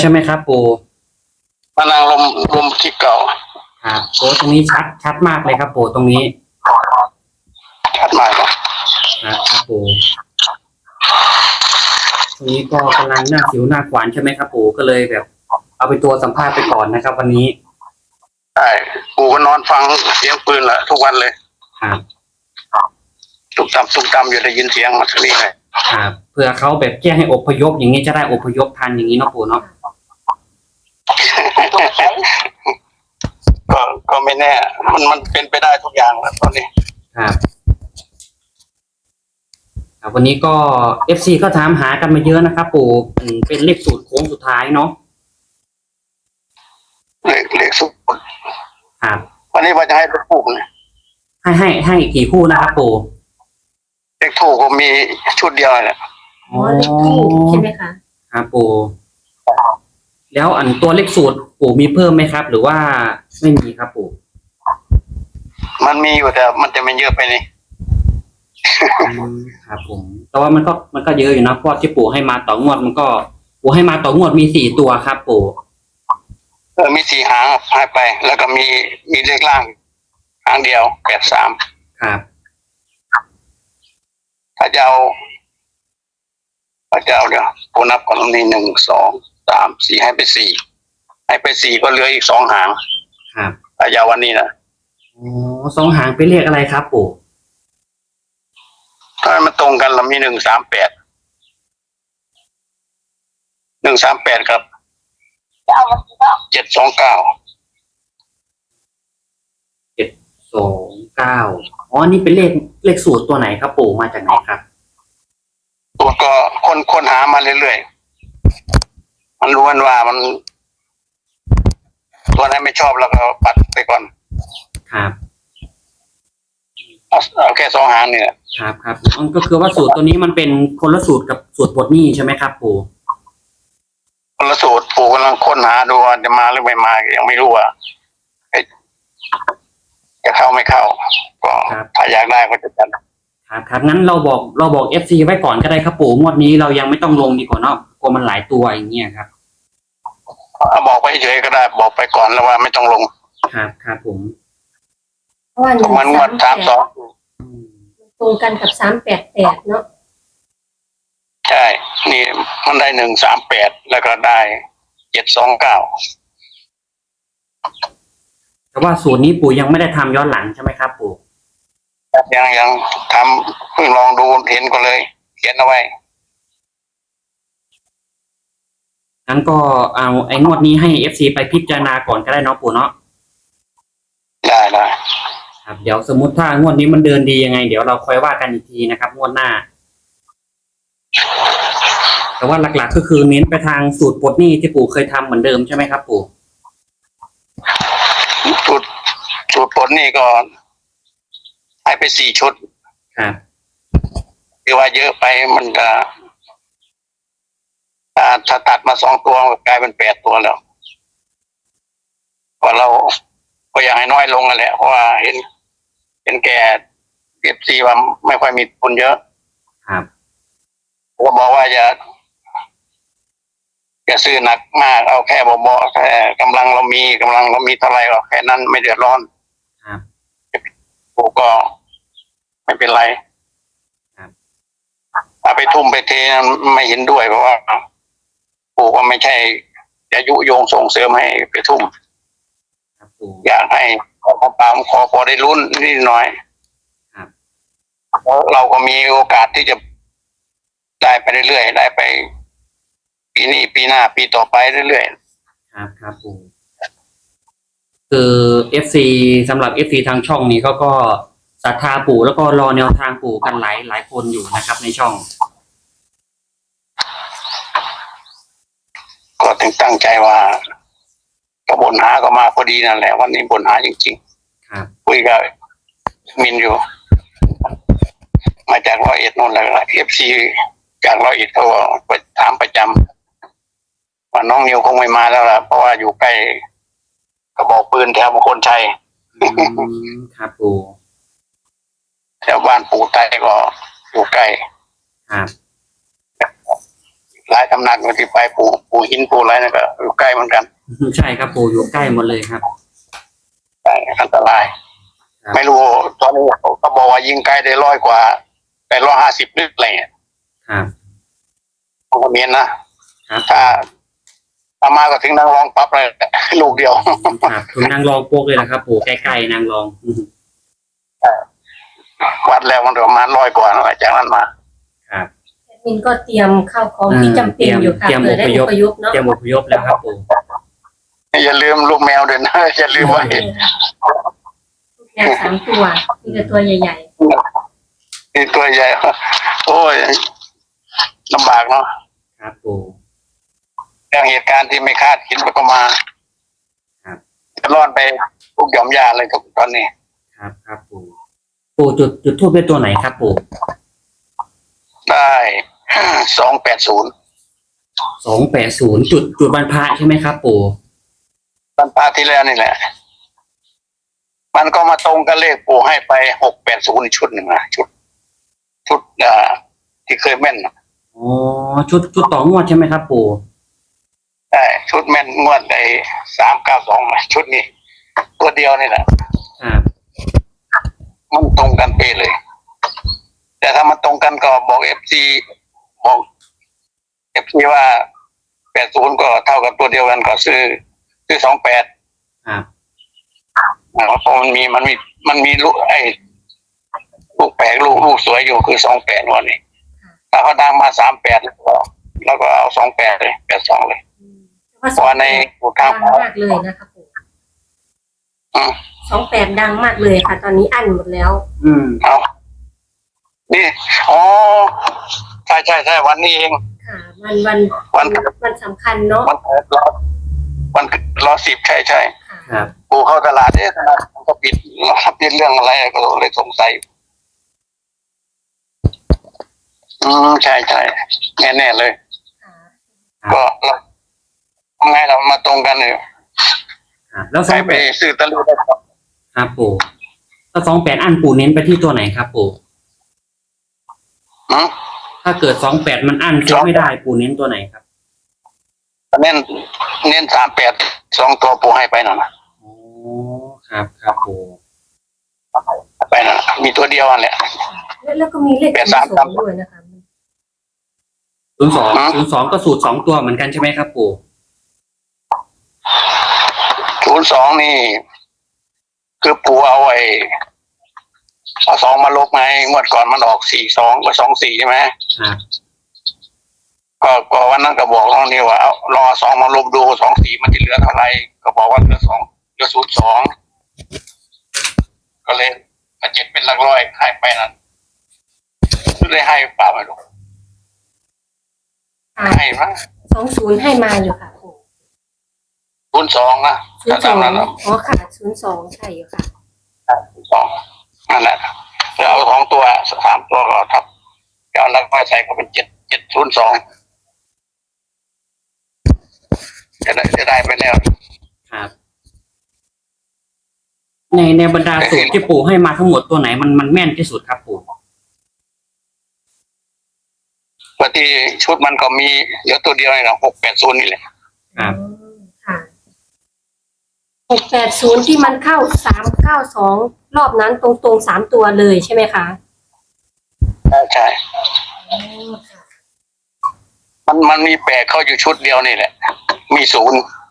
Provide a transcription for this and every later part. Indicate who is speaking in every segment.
Speaker 1: ใช่ไหมครับปู่
Speaker 2: พลังลมที่เก่า
Speaker 1: ครับโอ้ตรงนี้ชัดมากเลยครับปู่ตรงนี้
Speaker 2: ชัดมากครับ
Speaker 1: ครับปู่ตรงนี้ก็กำลังหน้าสิวหน้าขวานใช่ไหมครับปู่ก็เลยแบบเอาไปตัวสัมภาษณ์ไปก่อนนะครับวันนี้
Speaker 2: ใช่ปู่ก็นอนฟังเสียงปืนแหละทุกวันเลย
Speaker 1: ครับ
Speaker 2: ตุกตำอยู่ได้ยินเสียงมาทีนี้เลย
Speaker 1: ครับเพื่อเขาแบบแจ้งให้อพยพอย่างนี้จะได้อพยพทันอย่างนี้เนาะปู่เนาะ
Speaker 2: ก็ไม่แน่มันเป็นไปได้ทุกอย่างแล้วตอนนี้
Speaker 1: ครับวันนี้ก็เอฟซีก็ถามหากันมาเยอะนะครับปู่เป็นเลขสูตรโค้งสุดท้ายเนาะ
Speaker 2: เลขสุด
Speaker 1: ครับ
Speaker 2: วันนี้ว่าจะให้เลขถูกนะ
Speaker 1: ให้กี่คู่นะครับปู่
Speaker 2: เลขถูกก็มีชุดเดียวแหละ
Speaker 3: อ๋อเลขทูปใช่ไหมคะ
Speaker 1: ครับปู่แล้วอันตัวเลขสูตรปู่มีเพิ่มไหมครับหรือว่าไม่มีครับปู่
Speaker 2: มันมีอยู่แต่มันจะไม่เยอะไปนี่
Speaker 1: ครับผมแต่ว่ามันก็เยอะอยู่นะเพราะที่ปู่ให้มาต่องวดมันก็ปู่ให้มาต่องวดมี4 ตัวครับปู่
Speaker 2: มี4 หางหายไปแล้วก็มีเลขล่างหางเดียว83
Speaker 1: ครับ
Speaker 2: ถ้าจะเอาเดี๋ยวปู่นับก่อนนี่1 2 3 4ให้ไป4ก็เหลืออีก2 หาง
Speaker 1: ครับ
Speaker 2: ถ้าจะเอาวันนี้นะ
Speaker 1: อ๋อ2 หางเป็นเลขอะไรครับปู่
Speaker 2: ถ้ามันตรงกันเรามี138ครับ729
Speaker 1: 729อ๋อนี่เป็นเลขสูตรตัวไหนครับปู่มาจากไหนครับ
Speaker 2: ตัวก็คนหามาเรื่อยๆมันรู้กันว่ามันตัวไหนไม่ชอบแล้วก็ปัดไปก่อน
Speaker 1: ครับ
Speaker 2: เอาแค่2 หางเนี่ย
Speaker 1: ครับมันก็คือว่าสูตรตัวนี้มันเป็นคนละสูตรกับสูตรปลดหนี้ใช่ไหมครับปู่
Speaker 2: คนละสูตรปู่กำลังค้นหาดูว่าจะมาหรือไม่มายังไม่รู้ว่าจะเข้าไม่เข้าก็ถ้าอยากได้ก็จะจัด
Speaker 1: ครับงั้นเราบอกFCไว้ก่อนก็ได้ครับปู่งวดนี้เรายังไม่ต้องลงดีกว่าเนาะกลัวมันหลายตัวอย่างเงี้ยครับ
Speaker 2: บอกไปเฉยก็ได้บอกไปก่อนแล้วว่าไม่ต้องลง
Speaker 1: ครับผม
Speaker 2: มันงวด
Speaker 3: 32ตรงกันกับ388เนาะ
Speaker 2: ใช่นี่มันได้138แล้วก็ได้729
Speaker 1: แต่ว่าสูตรนี้ปู่ยังไม่ได้ทำย้อนหลังใช่ไหมครับปู่
Speaker 2: ยังทำเพิ่งลองดูเห็นก็เลยเขียนเอาไว้
Speaker 1: งั้นก็เอาไอ้งวดนี้ให้ FC ไปพิจารณาก่อนก็ได้เนาะปู่เนาะ
Speaker 2: ได้
Speaker 1: ครับเดี๋ยวสมมุติถ้างวดนี้มันเดินดียังไงเดี๋ยวเราค่อยว่ากันอีกทีนะครับงวดหน้าแต่ว่าหลักๆก็คือเน้นไปทางสูตรปลดหนี้ที่ปู่เคยทำเหมือนเดิมใช่ไหมครับปู่
Speaker 2: สูตรผลนี่ก็ให้ไป4 ชุด
Speaker 1: ครับ
Speaker 2: คือว่าเยอะไปมันก็ถ้าตัดมา2 ตัวกลายเป็น8 ตัวแล้วว่าเราก็อยากให้น้อยลงนั่นแหละเพราะว่าเห็นแก่FCว่าไม่ค่อยมีทุนเยอะ
Speaker 1: ครับ
Speaker 2: ก็บอกว่าอย่าซื้อหนักมากเอาแค่เบาๆแค่กำลังเรามีเท่าไหร่ก็แค่นั้นไม่เดือดร้อน
Speaker 1: ครับ
Speaker 2: ปู่ก็ไม่เป็นไรเอาไปทุ่มไปเทไม่เห็นด้วยเพราะว่าปู่ก็ไม่ใช่จะยุยงส่งเสริมให้ไปทุ่มอยากให้ขอพอได้ลุ้นนิดหน่อยเราก็มีโอกาสที่จะได้ไปเรื่อยๆได้ไปปีนี้ปีหน้าปีต่อไปเรื่อย
Speaker 1: ๆครับปู่คือ FC สำหรับ FC ทางช่องนี้เขาก็ศรัทธาปู่แล้วก็รอแนวทางปู่กันหลายคนอยู่นะครับในช่อง
Speaker 2: ก็ตั้งใจว่าก็บนหาก็มาพอดีนั่นแหละวันนี้บนหาจริง
Speaker 1: ๆครับ
Speaker 2: คุยกับมินอยู่มาจาก101นู่นแหละ FC จาก101เขาไปถามประจำว่าน้องนิวคงไม่มาแล้วล่ะเพราะว่าอยู่ใกล้กระบอกปืนแถวมงคลชัย
Speaker 1: ครับปู่
Speaker 2: แถวบ้านปู่ใต้ก็อยู่ใกล้
Speaker 1: ครับ
Speaker 2: หลายตำหนักอยู่ที่ไปปู่หินปู่อะไรนั่นก็อยู่ใกล้เหมือนกัน
Speaker 1: ใช่ครับปู่อยู่ใกล้หมดเลยครับ
Speaker 2: ใช่อันตราย
Speaker 1: ครับ
Speaker 2: ไม่รู้ตอนนี้เขาบอกว่ายิงไกลได้100 กว่า850นึกอะไรเงี้ย
Speaker 1: ครับ
Speaker 2: ผมก็เมียนนะครับ ถ้ามาก็ถึงนางรองปั๊บเลย ลูกเดียว
Speaker 1: ครับถึงนางรองโปกเลยนะครับปู่ใกล้ๆนางรอง
Speaker 2: วัดแล้วมันประมาณ100 กว่านะจากนั้นมา
Speaker 1: ครับ
Speaker 3: แอดมินก็เตรียมข้าวของที่จำเป็นอยู่ค่ะ
Speaker 1: เตรียม
Speaker 3: เผื่อได้
Speaker 1: อพย
Speaker 3: อ
Speaker 1: พ
Speaker 3: พยพเนาะ
Speaker 1: เตรียมอพยพแล้วครับปู่
Speaker 2: อย่าลืมลูกแมวด้วยนะ อย่าลืมไว้
Speaker 3: ลูกแมว3 ตัวนี่ก็ตัวใหญ่
Speaker 2: นี่ตัวใหญ่ โอ้ยลำบากเนาะ
Speaker 1: ครับปู่
Speaker 2: เรื่องเหตุการณ์ที่ไม่คาดคิดมันก็มา
Speaker 1: ครับ
Speaker 2: จะรอดไปทุกหย่อมยาเลยกับตอนนี้
Speaker 1: ครับครับปู่ปู่จุดทูบเป็นตัวไหนครับปู่
Speaker 2: ได้ 280
Speaker 1: 280จุดวันพระใช่ไหมครับปู่
Speaker 2: ตอนพาที่แล้วนี่แหละ มันก็มาตรงกับเลขปู่ให้ไป680ชุดหนึ่งนะชุดที่เคยแม่นนะ
Speaker 1: อ๋อชุดต่องวดใช่ไหมครับปู่
Speaker 2: ได้ชุดแม่นงวดไอ้392ชุดนี้ ตัวเดียวนี่แหละ
Speaker 1: ครับ
Speaker 2: มันตรงกันเป๊ะเลย แต่ถ้ามันตรงกันก็บอกบอก FC ว่า80ก็เท่ากับตัวเดียวกันก็ซื้อ28
Speaker 1: ครับ
Speaker 2: เพราะมันมีลูกลูกแปลกลูกสวยอยู่คือ28วันนี้ถ้าเขาดังมา38แล้วก็เอา28เลย82เลย
Speaker 3: ๆเพราะ
Speaker 2: เพราะว่าใน
Speaker 3: ดังมากเลยนะคะปู่
Speaker 2: อืม
Speaker 3: 28ดังมากเลยค่ะ ตอนนี้อั้นหมดแล้ว
Speaker 1: อืม
Speaker 2: เอานี่อ๋อใช่วันนี้เอง
Speaker 3: ค่ะวันสำคัญเนาะ
Speaker 2: วันรอ10ใช่
Speaker 3: ค่ะ
Speaker 1: ครับ
Speaker 2: กูเข้าตลาดตลาดมันก็ปิดเรื่องอะไรก็เลยสงสัยใช่แน่เลย
Speaker 3: ค่ะ
Speaker 2: ก็เราทำไงเรามาตรงกันเนี่ย
Speaker 1: ครับแล้ว
Speaker 2: ใครไปซื้อตะลุได้ครับ
Speaker 1: ครับปู่แล้ว28อันปู่เน้นไปที่ตัวไหนครับปู่
Speaker 2: อืม
Speaker 1: ถ้าเกิด28มันอันซื้อไม่ได้ปู่เน้นตัวไหนครับ
Speaker 2: เน้น38 2 ตัวปูให้ไปหน่อยนะ
Speaker 1: อ๋อครับครับปู่
Speaker 2: ไปหน่อยมีตัวเดียวอันแหละ
Speaker 3: แล้วก็มีเลข02ด้วยนะคะ
Speaker 1: 02ก็สูตร2ตัวเหมือนกันใช่ไหมครับปู่
Speaker 2: 02นี่ คือปูเอา2มาลบไงงวดก่อนมันออก42กับ24ใช่ไหม
Speaker 1: ครับ
Speaker 2: ก็วันนั้นก็บอกน้องนี่ว่าเอารอ2มาลบดู24มันจะเหลือเท่าไหร่ก็บอกว่าเหลือ02ก็เลยมาเจ็ดเป็นหลักร้อยให้ไปนั่นเลยให้เปล่าไม่รู้
Speaker 3: ค่ะ
Speaker 2: ให้มั้ง
Speaker 3: 20ให้มาอยู่ค่ะปู่
Speaker 2: 02นะถ้าตามนั้น
Speaker 3: อ๋อค่ะ02ใช่อยู่ค่ะ
Speaker 2: 2นั่นแหละแล้วเอา2ตัว3ตัวก็ทับเอาหลักร้อยใส่ก็เป็น702จะได้ไปแล้ว
Speaker 1: ครับ ในบรรดาสูตรที่ปู่ให้มาทั้งหมดตัวไหนมันแม่นที่สุดครับปู่
Speaker 2: ปกติชุดมันก็มีเดี๋ยวตัวเดียวนี่แหละ680นี่แหละ
Speaker 1: ครับ
Speaker 3: ค่ะ680ที่มันเข้า392รอบนั้นตรงๆ3ตัวเลยใช่ไหมคะ
Speaker 2: ใช่
Speaker 3: อ๋อค่ะ
Speaker 2: มันมี8เข้าอยู่ชุดเดียวนี่แหละ มี0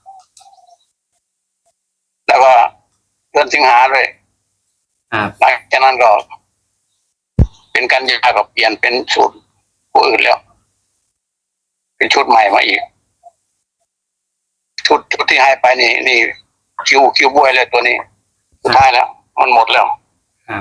Speaker 2: แล้วก็เดือนสิงหาด้วย
Speaker 1: ครับ
Speaker 2: หลังจากนั้นก็ เป็นกันยาก็เปลี่ยนเป็นสูตรผู้อื่นแล้ว เป็นชุดใหม่มาอีก ชุดที่ให้ไปนี่คิวบวยเลยตัวนี้สุดท้ายแล้ว มันหมดแล้ว
Speaker 1: ครับ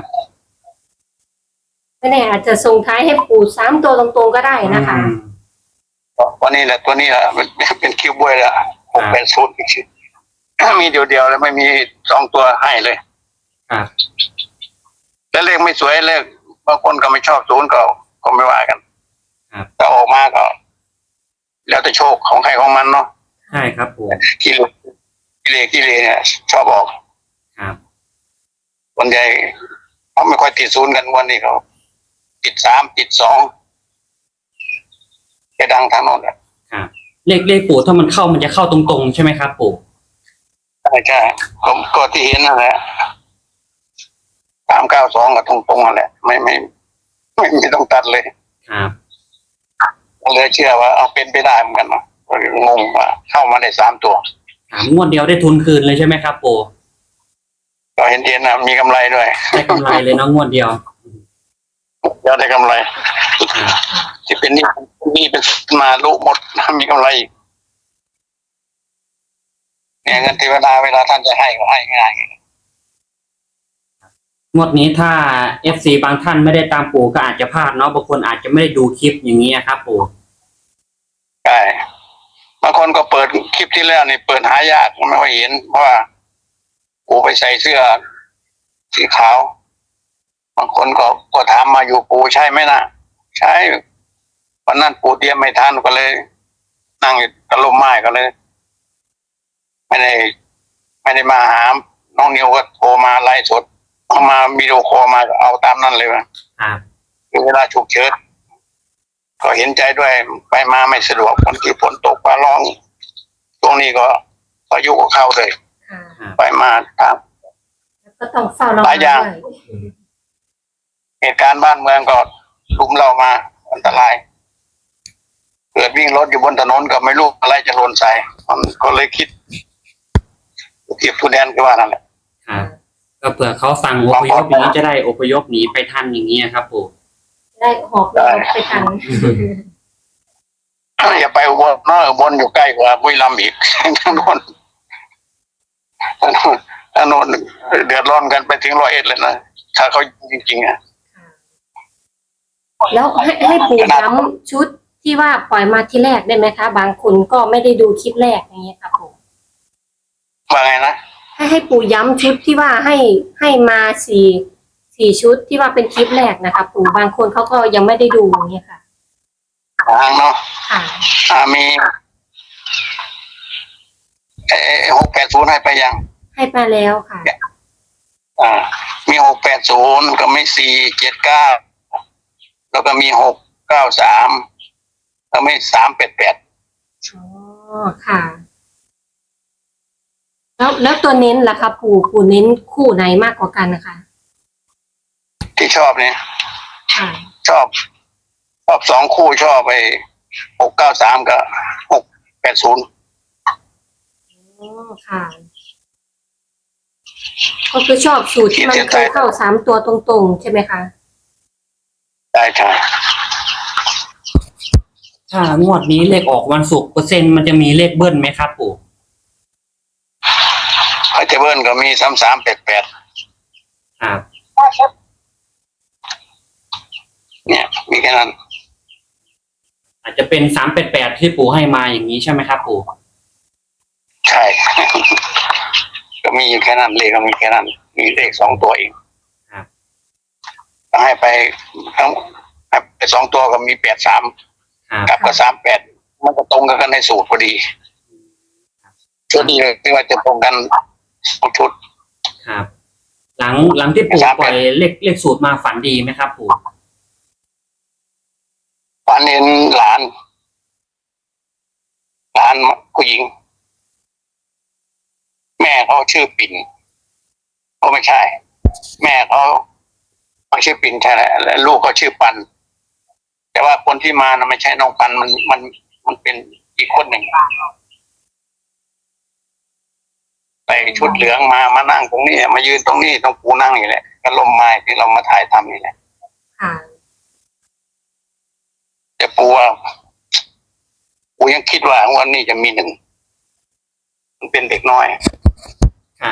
Speaker 3: ไม่แน่อาจจะส่งท้ายให้ปู่3ตัวตรงๆก็ได้นะคะ
Speaker 2: วันนี้แหละตัวนี้แหละเป็นคิวบวยแล้ว680อีกชุดมีเดียวแล้วไม่มี2ตัวให้เลย
Speaker 1: ครับ
Speaker 2: แล้วเลขไม่สวยเลขบางคนก็ไม่ชอบ0ก็ไม่ว่ากัน
Speaker 1: ครับ
Speaker 2: แต่ออกมาก็ แล้วแต่โชคของใครของมันเนาะ
Speaker 1: ใช่ครับปู่
Speaker 2: กิเลเนี่ยชอบออก
Speaker 1: ครับ
Speaker 2: คนใหญ่เขาไม่ค่อยติด0กันวันนี้เขาติด3ติด2จะดังทางโน้น
Speaker 1: ครับเลขปู่ถ้ามันเข้ามันจะเข้าตรงๆใช่ไหมครับปู่
Speaker 2: ใช่ก็ที่เห็นนั่นแหละ392กับตรงๆนั่นแหละไม่ต้องตัดเลย
Speaker 1: ครับ
Speaker 2: ก็เลยเชื่อว่าเอาเป็นไปได้เหมือนกันนะก็งงว่าเข้ามาได้3 ตัว
Speaker 1: ครับงวดเดียวได้ทุนคืนเลยใช่ไหมครับปู่
Speaker 2: ก็เห็นนะมีกำไรด้วย
Speaker 1: ได้กำไรเลยเนาะงวดเดียว
Speaker 2: เดี๋ยวได้กำไร
Speaker 1: ครับ
Speaker 2: ที่เป็นนี่เป็นมาลุหมดมีกำไรอีกเนี่ยเงินเทวดาเวลาท่านจะให้ก็ให้ง่าย
Speaker 1: งวดนี้ถ้า FC บางท่านไม่ได้ตามปู่ก็อาจจะพลาดเนาะบางคนอาจจะไม่ได้ดูคลิปอย่างนี้ครับปู่
Speaker 2: ใช่บางคนก็เปิดคลิปที่แล้วนี่เปิดหายากไม่ค่อยเห็นเพราะว่าปูไปใส่เสื้อสีขาวบางคนก็ถามมาอยู่ปูใช่ไหมนะใช่วันนั้นปูเตรียมไม่ทันก็เลย นั่งอยู่ตะลุมไม้ก็เลย ไม่ได้มาหาน้องนิวก็โทรมาไลฟ์สดเอามาวิดีโอคอลมาก็เอาตามนั้นเลยนะครับ คือเวลาฉุกเฉินก็เห็นใจด้วยไปมาไม่สะดวกคนที่ฝนตกฟ้าร้องช่วงนี้ก็พายุก็เข้าเลย
Speaker 3: ค่ะ
Speaker 2: ไปมาถาม
Speaker 3: แล้วก็ต้องเฝ้าระ
Speaker 2: ห
Speaker 3: วั
Speaker 2: ลาง ยอย่าง
Speaker 3: ด้วย
Speaker 2: เหตุการณ์บ้านเมืองก็ลุมเรามาอันตรายเกิดวิ่งรถอยู่บนถนนก็ไม่รู้อะไรจะหล่นใส่มันก็เลยคิดเก็บผู้แดนก็ว่านั่นแหละ
Speaker 1: ครับก็เผื่อเขาสั่งอพยพอย่างนี้จะได้อพยพหนีไปทันอย่างนี้ครับปู่
Speaker 3: ได้หอบเราไปทัน
Speaker 2: อย่าไปอุบลเนอะอุบลอยู่ใกล้กว่าบุรีรัมย์อีก ถนนถนนเดือดร้อนกันไปถึง101เลยนะถ้าเขาจริงๆอ่ะ
Speaker 3: แล้วให้ปู่ย้ำชุดที่ว่าปล่อยมาที่แรกได้ไหมคะ บางคนก็ไม่ได้ดูคลิปแรกอย่างเงี้ยค่ะปู่
Speaker 2: ว่าไงนะ
Speaker 3: ให้ปู่ย้ำชุดที่ว่าให้มาสี่ชุดที่ว่าเป็นคลิปแรกนะคะปู่บางคนเขาก็ยังไม่ได้ดูอย่างเงี้ยค่ะ
Speaker 2: ทางเนาะ
Speaker 3: ค่ะ
Speaker 2: มี680ให้ไปยัง
Speaker 3: ให้ไปแล้วค่ะ
Speaker 2: มี680ก็มี479แล้วก็มี693แล้วมี388
Speaker 3: อ๋อค่ะ แล้วตัวเน้นล่ะคะปู่เน้นคู่ไหนมากกว่ากันนะคะ
Speaker 2: ที่ชอบเนี่ย
Speaker 3: ค่ะ
Speaker 2: ชอบ2 คู่ชอบไป693กับ680
Speaker 3: อ๋อค่ะ ก็คือชอบสูตรที่มันเคยเข้า3 ตัวตรงๆใช่ไหมคะ
Speaker 2: ได้ใช่
Speaker 1: ถ้างวดนี้เลขออกวันศุกร์เปอร์เซ็นต์มันจะมีเลขเบิ้ลไหมครับปู่
Speaker 2: ไอเทเบิลก็มี3388
Speaker 1: ครับ
Speaker 2: เนี่ยมีแค่นั้น
Speaker 1: อาจจะเป็น388ที่ปู่ให้มาอย่างนี้ใช่ไหมครับปู่
Speaker 2: ใช่ ก็มีอยู่แค่นั้นเลขก็มีแค่นั้นมีเลข2 ตัวเอง
Speaker 1: ครับ
Speaker 2: ให้ไป2 ตัวก็มี83
Speaker 1: ครับ
Speaker 2: กับ38มันก็ตรงกันในสูตรพอดีชุดนี้ที่ว่าจะตรงกัน2 ชุด
Speaker 1: ครับ หลังที่ปู่ปล่อยเลขสูตรมาฝันดีไหมครับปู่
Speaker 2: ฝันเห็นหลานผู้หญิง แม่เขาชื่อปิ่นเขาไม่ใช่ แม่เขาชื่อปิ่นใช่แหละและลูกเขาชื่อปัน แต่ว่าคนที่มานะไม่ใช่น้องปันมันเป็นอีกคนหนึ่งใส่ชุดเหลืองมานั่งตรงนี้มายืนตรงนี้ตรงปูนั่งนี่แหละก็ลมไม้ที่เรามาถ่ายทำนี่แหละ
Speaker 3: ค่ะ
Speaker 2: แต่ปูยังคิดว่าวันนี้จะมี1มันเป็นเด็กน้อย
Speaker 1: ครับ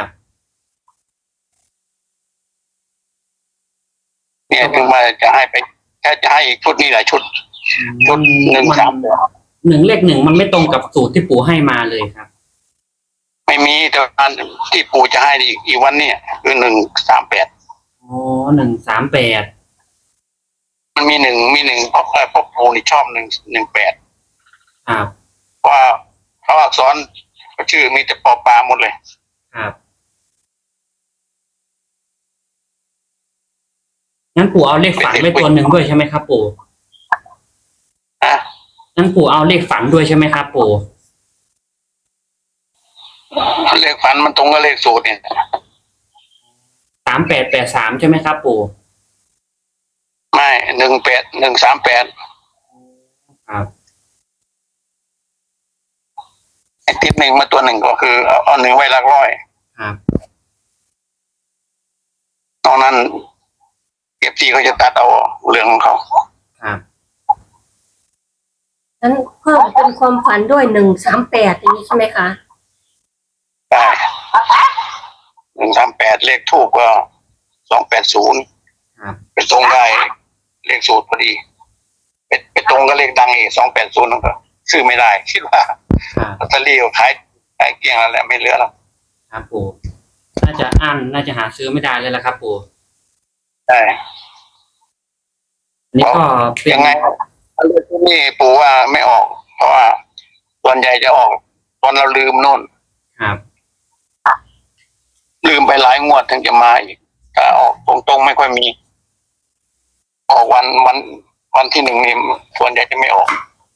Speaker 2: เนี่ยถึงมาจะให้ไปถ้าจะให้อีกชุดนี้หลายชุดชุด
Speaker 1: เลข 1มันไม่ตรงกับสูตรที่ปู่ให้มาเลยครับ
Speaker 2: ไม่มีแต่อันที่ปู่จะให้อีกวันเนี่ยคือ138
Speaker 1: อ๋อ138
Speaker 2: มันมี1เพราะปู่นี่ชอบ118
Speaker 1: ครับ
Speaker 2: ว่าเขาอักษรชื่อมีแต่ปอปลาหมดเลย
Speaker 1: ครับงั้นปู่เอาเลขฝันไว้ตัวหนึ่งด้วยใช่ไหมครับปู่
Speaker 2: นะ
Speaker 1: งั้นปู่เอาเลขฝันด้วยใช่ไหมครับปู่
Speaker 2: เลขฝันมันตรงกับเลขสูตรเนี่ย
Speaker 1: 3883ใช่ไหมครับปู่
Speaker 2: ไม่18138
Speaker 1: ครับ
Speaker 2: ไอ้ติดหนึ่งมาตัวหนึ่งก็คือเอาหนึ่งไว้หลักร้อย
Speaker 1: ครับ
Speaker 2: ตอนนั้นเก็บที่เขาจะตัดเอาเรื่องของเขา
Speaker 1: ครับ
Speaker 3: นั้นเพิ่มเป็นความฝันด้วย138อย่างนี้ใช่ไหมคะ
Speaker 2: ได้138เลขทูกก็280
Speaker 1: ครับ
Speaker 2: ไปตรงได้เลขสูตรพอดีไปตรงกับเลขดังอีก280นั่นก็ซื้อไม่ได้คิดว่า
Speaker 1: ครับ
Speaker 2: ลอตเตอรี่ขายเกลี้ยงแล้วแหละไม่เหลือแล้ว
Speaker 1: ครับปู่น่าจะอั้นน่าจะหาซื้อไม่ได้เลยละครับปู่
Speaker 2: ใช่
Speaker 1: อันนี้ก็เป็น
Speaker 2: ยังไงเลขที่นี่ปู่ว่าไม่ออก เพราะว่าส่วนใหญ่จะออกตอนเราลืมนู่น
Speaker 1: ครับ
Speaker 2: ลืมไปหลายงวดถึงจะมาอีกถ้าออกตรงๆไม่ค่อยมี ออกวันที่หนึ่งนี่ส่วนใหญ่จะไม่ออก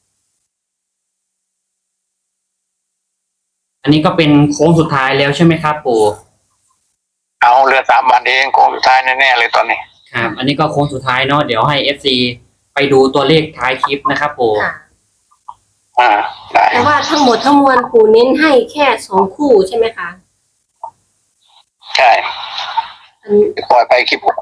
Speaker 1: อันนี้ก็เป็นโค้งสุดท้ายแล้วใช่ไหมครับปู่
Speaker 2: เอาเหลือ3 วันเองโค้งสุดท้ายแน่ๆเลยตอนนี้
Speaker 1: ครับ อันนี้ก็โค้งสุดท้ายเนาะเดี๋ยวให้ FC ไปดูตัวเลขท้ายคลิปนะครับปู่
Speaker 3: ค่ะ
Speaker 2: ได้
Speaker 3: แต่ว่าทั้งหมดทั้งมวลปู่เน้นให้แค่2 คู่ใช่ไหมคะ
Speaker 2: ใช่
Speaker 3: อัน
Speaker 2: ปล่อยไปคลิป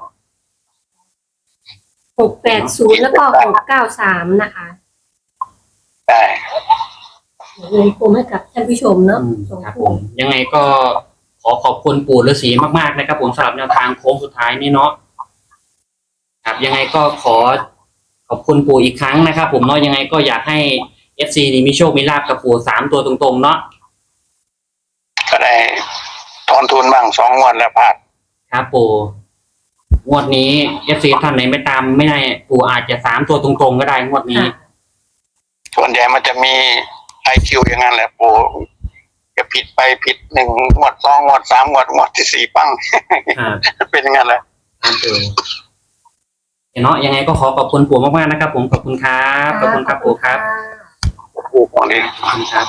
Speaker 3: 680แล้วก็693นะคะ
Speaker 2: ได้
Speaker 3: เงินกลมให้กับท่านผู้ชมเนาะ
Speaker 1: อืม
Speaker 3: สอง
Speaker 1: ครับผ
Speaker 3: คู่
Speaker 1: มยังไงก็ขอขอบคุณปู่ฤาษีมากๆนะครับผมสำหรับแนวทางโค้งสุดท้ายนี่เนาะครับยังไงก็ขอขอบคุณปู่อีกครั้งนะครับผมเนาะยังไงก็อยากให้ FC นี่มีโชคมีลาภกับปู่3 ตัวตรงๆเนาะ
Speaker 2: ก็ได้ถอนทุนบ้าง2 งวดแล้วพลาด
Speaker 1: ครับปู่งวดนี้ FC ท่านไหนไม่ตามไม่ได้ปู่อาจจะ3 ตัวตรงๆก็ได้งวดนี้
Speaker 3: ค่ะ
Speaker 2: ส่วนใหญ่มันจะมี IQ อย่างนั้นแหละปู่จะผิดไปผิด1 งวด 2 งวด 3 งวด งวดที่ 4ปัง
Speaker 1: ครับ
Speaker 2: เป็นอย่างนั้นแหละ
Speaker 1: ครับปู่เนาะยังไงก็ขอขอบคุณปู่มากๆนะครับผมขอบคุณครับขอบคุณครับปู่ครับ
Speaker 2: ปู่ของนี้
Speaker 1: ขอบคุณครับ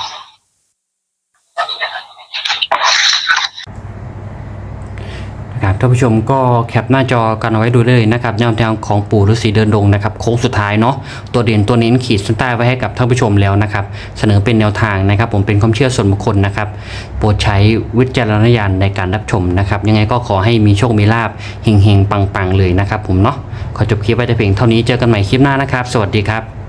Speaker 1: ครับท่านผู้ชมก็แคปหน้าจอกันเอาไว้ดูเลยนะครับแนวทางของปู่ฤาษีเดินดงนะครับโค้งสุดท้ายเนาะตัวเด่นตัวเน้นขีดเส้นใต้ไว้ให้กับท่านผู้ชมแล้วนะครับเสนอเป็นแนวทางนะครับผมเป็นความเชื่อส่วนบุคคลนะครับโปรดใช้วิจารณญาณในการรับชมนะครับยังไงก็ขอให้มีโชคมีลาภเฮงๆปังๆเลยนะครับผมเนาะขอจบคลิปไว้แต่เพียงเท่านี้เจอกันใหม่คลิปหน้านะครับสวัสดีครับ